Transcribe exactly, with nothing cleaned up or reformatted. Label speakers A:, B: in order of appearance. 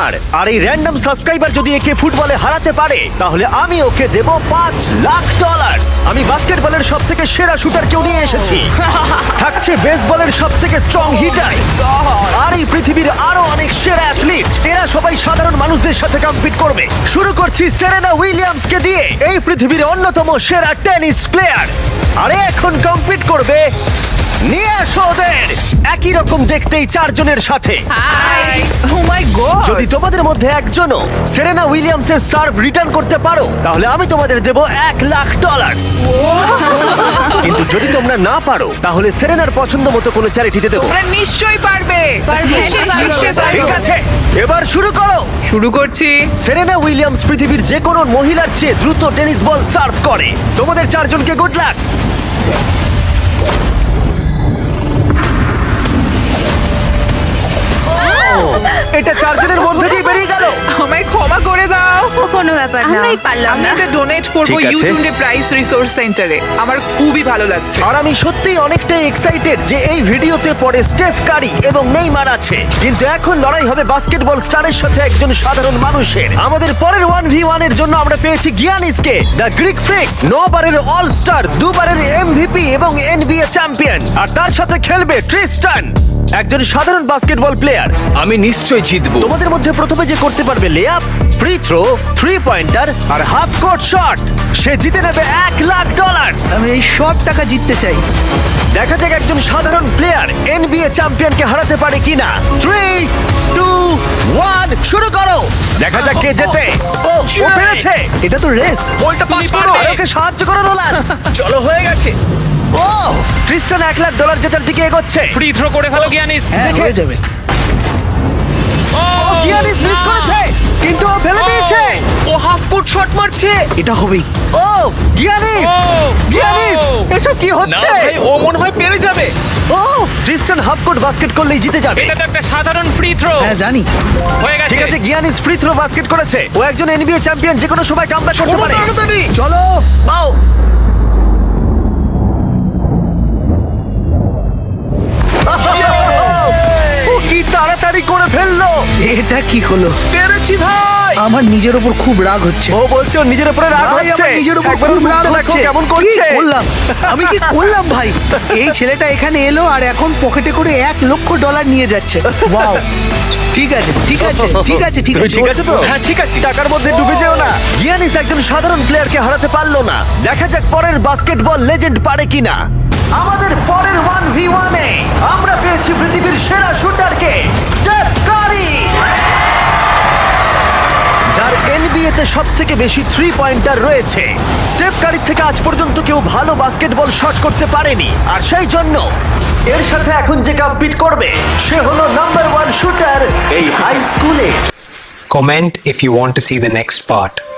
A: আমার। আর এই random subscriber যদি একে ফুটবলে হারাতে পারে তাহলে আমি ওকে দেব পাঁচ লাখ ডলার। আমি বাস্কেটবলের সব থেকে সেরা শুটার কেউ নিয়ে এসেছি, থাকছে বেসবলের সব থেকে স্ট্রং হিটার, আর এই পৃথিবীর আরো অনেক সেরা অ্যাথলিট। এরা সবাই সাধারণ মানুষদের সাথে কম্পিট করবে। শুরু করছি সেরেনা উইলিয়ামস কে দিয়ে, এই পৃথিবীর অন্যতম সেরা টেনিস প্লেয়ার। আরে এখন কম্পিট করবে, নিয়ে আসো ওদের। একই রকম দেখতেই চারজনের সাথে।
B: হাই ও মাই গড
A: যদি তোমাদের মধ্যে একজনও সেরেনা উইলিয়ামসের সার্ভ রিটার্ন করতে পারো তাহলে আমি তোমাদের দেব এক লাখ ডলার। কিন্তু যদি তোমরা না পারো তাহলে সেরেনার পছন্দ মতো কোনো চ্যারিটিতে দেবো।
B: তোমরা নিশ্চয়ই পারবে
C: নিশ্চয়ই পারবো।
B: নিশ্চয়ই পারবে।
A: ঠিক আছে, এবার শুরু করো।
B: শুরু করছি।
A: সেরেনা উইলিয়ামস পৃথিবীর যে কোনো মহিলার চেয়ে দ্রুত টেনিস বল সার্ভ করে। তোমাদের চারজনকে গুড লাক। এটা চারজনের মধ্যে দিয়ে বেরিয়ে গেল।
B: আমায় ক্ষমা করে দাও।
C: ও কোনো ব্যাপার না, আমরাই পারলাম
B: আমি
C: না।
B: এটা ডোনেট করব
A: ঠিক আছে।
B: ইউটিউবে প্রাইস রিসোর্স সেন্টারে। আমার খুবই ভালো লাগছে।
A: আর আমি সত্যিই অনেকটাই এক্সাইটেড যে এই ভিডিওতে পরে স্টেফ কারি এবং নেইমার আছে, কিন্তু এখন লড়াই হবে বাস্কেটবল স্টারের সাথে একজন সাধারণ মানুষের। আমাদের পরের ওয়ান ভি ওয়ান এর জন্য আমরা পেয়েছি গিয়ানিসকে, দ্য গ্রিক ফ্রিক, নবারের অল স্টার, দুবারের এমভিপি এবং এনবিএ চ্যাম্পিয়ন। আর তার সাথে খেলবে ট্রিস্টান, একজন সাধারণ বাস্কেটবল প্লেয়ার।
D: আমি নিশ্চয়ই জিতবো।
A: তোমাদের মধ্যে প্রথমে যে করতে পারবে layup, free throw, three pointer আর হাফ কোর্ট শট, সে জিতে নেবে এক লাখ ডলার।
E: আমি এই সব টাকা জিততে চাই।
A: দেখা যাক একজন সাধারণ প্লেয়ার এনবিএ চ্যাম্পিয়নকে হারাতে পারে কিনা। থ্রি টু ওয়ান শুরু করো। দেখা যাক কে জেতে। ও ও পেরেছে।
E: এটা তো রেস।
D: বলটা পাস করো।
A: আরে ওকে সাহায্য করো নোলান।
D: চলো, হয়ে গেছে।
A: ও ট্রিস্টান এক লাখ ডলার জেতার দিকে এগোচ্ছে।
F: ফ্রি থ্রো করে ফেলো গিয়ানিস।
E: হ্যাঁ
A: দেখে-
E: হয়ে যাবে।
F: ও
A: ও গিয়ানিস মিস করেছে, কিন্তু ও ফেলে দিয়েছে।
D: ও হাফ কোর্ট শট মারছে।
E: এটা হবেই।
A: ও গিয়ানিস,
F: ও,
A: গিয়ানিস
F: ও।
A: এসব কি
D: না
A: হচ্ছে?
D: ভাই, ও মনে হয় পেরে যাবে।
A: ও ট্রিস্টান হাফ কোর্ট বাস্কেট করলেই জিতে যাবে।
F: এটা তো একটা সাধারণ ফ্রি থ্রো।
E: হ্যাঁ জানি।
F: হয়ে গেছে।
A: ঠিক আছে, গিয়ানিস ফ্রি থ্রো বাস্কেট করেছে। ও একজন এনবিএ চ্যাম্পিয়ন, যে কোনো সময় কামব্যাক করতে পারে।
D: তাড়াতাড়ি।
E: চলো।
A: ও ও কি তাড়াতাড়ি করে ফেললো।
E: এটা কি হলো?
D: পেরেছি ভাই।
E: আমার নিজের উপর খুব রাগ হচ্ছে।
A: ও বলছে ওর নিজের উপরে রাগ
E: ভাই,
A: হচ্ছে।
E: আমার নিজের উপর
A: একবার ওর
E: খুব রাগ
A: মুখটা দেখো
E: হচ্ছে।
A: কেমন
E: কি
A: করছে।
E: করলাম? আমি কি করলাম ভাই? এই ছেলেটা এখানে এলো আর এখন পকেটে করে এক লক্ষ ডলার নিয়ে যাচ্ছে। ওয়াও। ঠিক আছে ঠিক আছে ঠিক আছে ঠিক
A: তুমি
E: আছে
A: ঠিক আছে তো?
D: হ্যাঁ, ঠিক আছে।
A: টাকার মধ্যে ডুবে যেও না। গিয়ানিস একজন সাধারণ প্লেয়ারকে হারাতে পারলো না। দেখা যাক পরের বাস্কেটবল লেজেন্ড পারে কিনা। আমাদের পরের ওয়ান ভি ওয়ানে আমরা পেয়েছি পৃথিবীর সেরা শুটারকে, স্টেফ কারি, যার এনবিএ তে সব থেকে বেশি থ্রি পয়েন্টার রয়েছে। স্টেফ কারির থেকে আজ পর্যন্ত কেউ ভালো বাস্কেটবল শট করতে পারেনি, আর সেই জন্য এর সাথে এখন যে কম্পিট করবে সে হলো নাম্বার ওয়ান শুটার এই হাই স্কুলে।
G: Comment if you want to see the next part.